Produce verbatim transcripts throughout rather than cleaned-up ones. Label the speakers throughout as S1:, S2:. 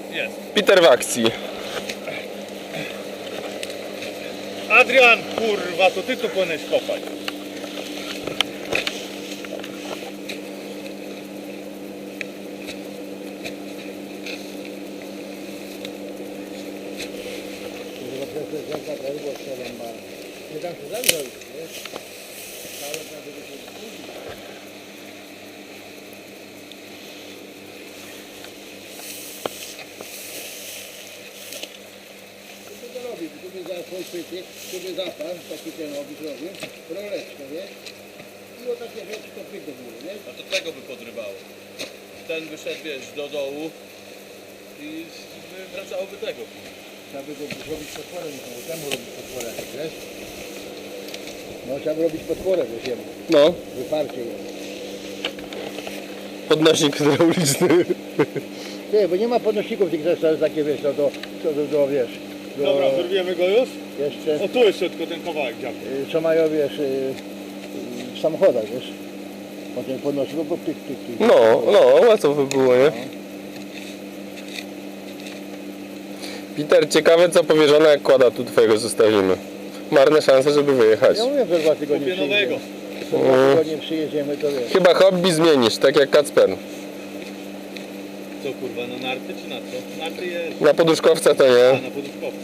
S1: Jest.
S2: Peter w akcji.
S1: Adrian, kurwa, to ty tu powinieneś kopać.
S3: Nie dam się zamrzeć, wiesz? Ale prawie by się wkurzył. Co to robi? Tu by za swój pytyk, tu by zapas, taki ten robi, robi, roleczkę, wiesz? I o takie rzeczy to pyk do góry, wiesz?
S1: A to tego by podrywało. Ten by szedł, wiesz, do dołu i wracałoby tego.
S3: Trzeba by go zrobić potworem, bo temu robić potworem, wiesz? No trzeba by robić potworem, wiesz, jemu.
S2: No,
S3: Wyparcie je.
S2: podnośnik hydrauliczny.
S3: Nie, bo nie ma podnośników tych też takie, wiesz, no to, to, to, to wiesz. Do,
S1: Dobra, wyrwiemy go już?
S3: Jeszcze,
S1: O, tu jeszcze tylko ten kawałek działa.
S3: y, co mają, wiesz, y, y, w samochodach, wiesz. Potem podnosi go, bo pyk, pyk, pyk.
S2: No, no, łatwo by było, nie? Peter, ciekawe co powierzone jak kłada tu twojego zostawimy. Marne szanse, żeby wyjechać.
S3: Ja mówię, że dwa tygodnie
S1: Kupię nowego.
S3: przyjedziemy. Za dwa tygodnie przyjedziemy, to wiesz.
S2: Chyba hobby zmienisz, tak jak Kacper.
S1: Co kurwa, na narty czy na co? Narty jest.
S2: Na poduszkowca to
S1: A,
S2: nie.
S1: na poduszkowcu.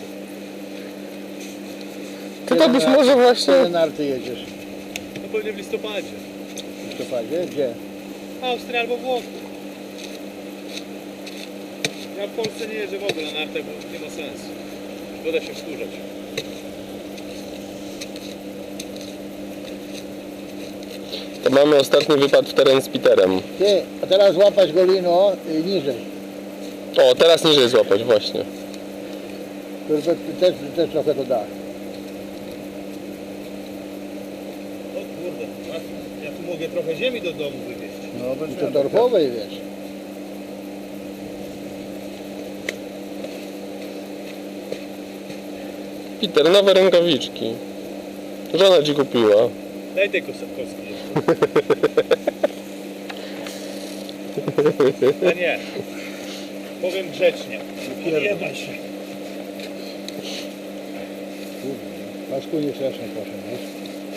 S2: Ty to byś może właśnie...
S3: Kiedy na narty jedziesz?
S1: No pewnie w listopadzie.
S3: W listopadzie? Gdzie?
S1: Austria albo Włochy. Ja w Polsce nie jeżdżę w ogóle na nartach, bo nie ma sensu. Woda się wkurzać.
S2: To mamy ostatni wypad w teren z Peterem.
S3: Ty, a teraz łapać go lino y, niżej.
S2: O, teraz niżej złapać, właśnie.
S3: To, to, też, też trochę to da.
S1: O kurde, a ja tu mogę trochę ziemi do domu wywieźć.
S3: No, I to torfowej, wiesz.
S2: Peter, nowe rękawiczki. Żona ci kupiła.
S1: Daj tej kostkowskiej. A nie. Powiem grzecznie. Nie jebaj się.
S3: Pasku nie strasznie proszę, wiesz.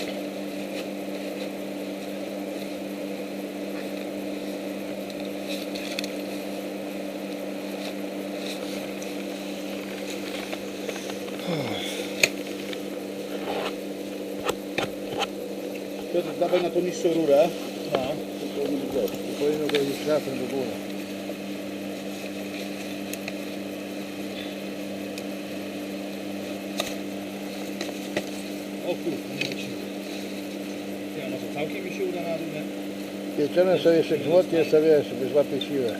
S1: Piotr, dawaj na tą niższą rurę. No.
S3: To powinno go już trafem do góry.
S1: O kurde, nie ma siły. Ja może całkiem mi się uda na dół, nie?
S3: Pieczemy sobie jeszcze grzmotnie, sobie wiesz, żeby złapie siłę.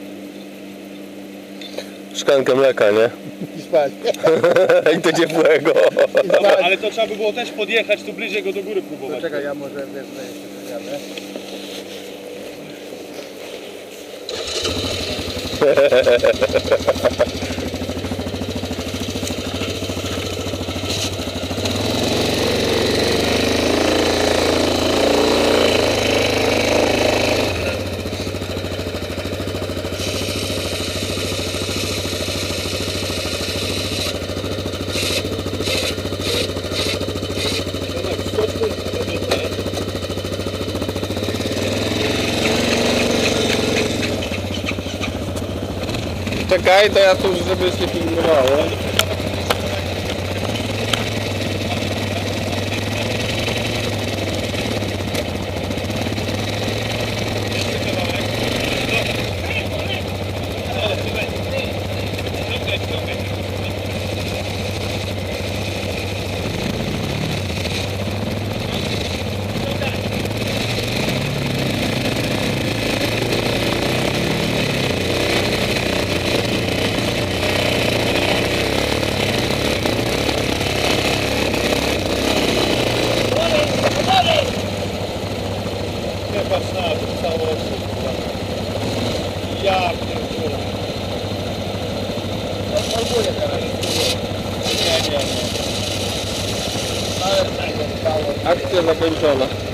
S2: Szklankę mleka, nie?
S3: I spać.
S2: I to ciepłego.
S3: I spać.
S1: Ale to trzeba by było też podjechać tu bliżej go do góry próbować.
S3: Poczekaj, ja może wezmę jeszcze wyjadę.
S2: Czekaj, to ja tu już żeby się filmowało.
S1: Nie patrz na to całości. Ja pierdolę.
S3: Odpalbuję teraz.
S1: Nie, nie, nie.
S3: Ale tak,
S2: Akcja zakończona.